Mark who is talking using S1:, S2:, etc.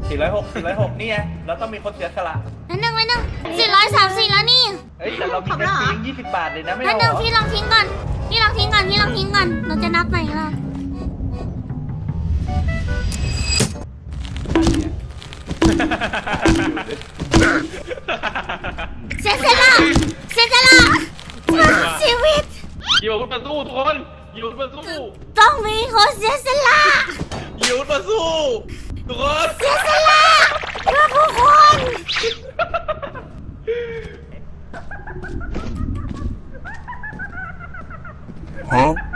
S1: 406นี่ไงเราต้องมีคนเสียสละ
S2: นั่นหนึ่ง434แล้วนี่
S1: เฮ้ยแต่เรามีเงินทิ้ง20 บาทเลยนะไม่
S2: นั่นหนึ่ง
S1: เอา
S2: พี่ลองทิ้งก่อนเราจะนับใหม่อีกรอบเสียสละเพื่อชีวิต
S3: อยู่มาสู้ทุกคนอยู่มาสู้
S2: ต้องมีคนเสียสละ
S3: อยู่มาสู้ทุกคน
S2: เสียสละเพื่อผู้คน
S4: Huh?